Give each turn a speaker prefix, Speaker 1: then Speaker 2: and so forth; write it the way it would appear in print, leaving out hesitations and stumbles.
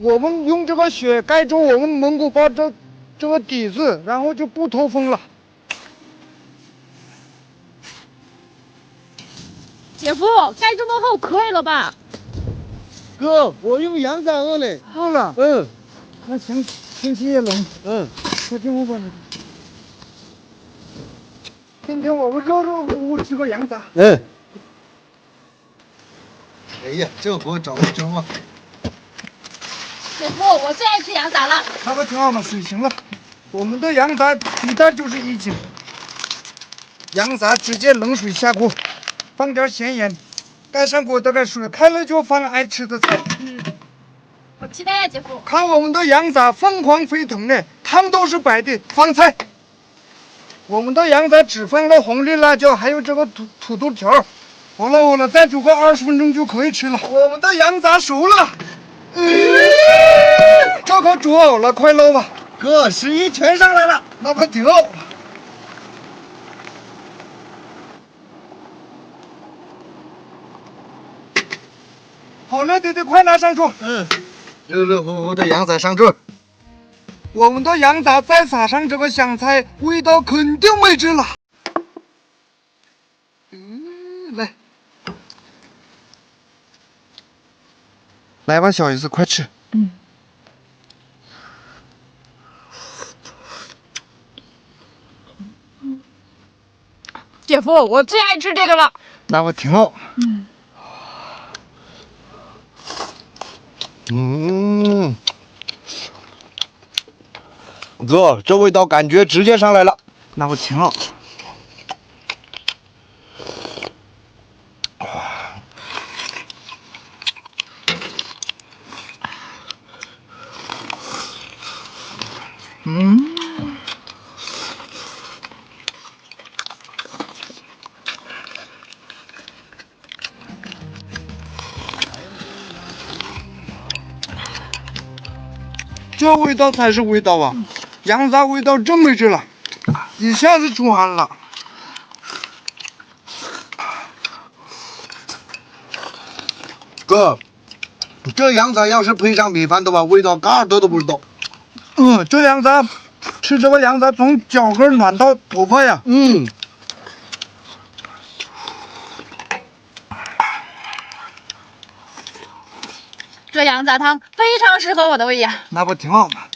Speaker 1: 我们用这个雪盖住我们蒙古包这个底子，然后就不透风了。
Speaker 2: 姐夫，盖这么厚可以了吧？
Speaker 3: 哥，我用阳伞了嘞。
Speaker 1: 好了，那行，天气也冷，快进屋吧。今天我们热乎乎吃个羊杂。
Speaker 3: 哎呀，这活找的真旺。
Speaker 2: 姐夫，我最爱吃羊杂了。
Speaker 1: 那不挺好吗？水行了，我们的羊杂一袋就是1斤。羊杂直接冷水下锅，放点咸盐，盖上锅大概水开了就放爱吃的菜。
Speaker 2: 我期待呀，姐夫。
Speaker 1: 看我们的羊杂凤凰飞腾呢，汤都是白的。放菜，我们的羊杂只放了红绿辣椒，还有这个土豆条。好了，再煮个20分钟就可以吃了。我们的羊杂熟了，这可煮好了，快捞吧。
Speaker 3: 哥，11全上来了。
Speaker 1: 那不挺好。好了，弟弟，快拿上桌。
Speaker 3: 热热乎乎的羊杂上桌。
Speaker 1: 我们的羊杂再撒上这个香菜，味道肯定没治了。来吧，小姨子，快吃。
Speaker 2: 姐夫，我最爱吃这个了。
Speaker 1: 那我挺好。
Speaker 3: 哥，这味道感觉直接上来了。
Speaker 1: 那我挺好。这味道才是味道啊！羊杂味道真没治了，一下子出汗了。
Speaker 3: 哥，这羊杂要是配上米饭的话，味道嘎多都不知道。
Speaker 1: 这羊杂，吃这个羊杂从脚跟暖到头发呀。
Speaker 2: 这羊杂汤非常适合我的胃呀。
Speaker 1: 那不挺好吗？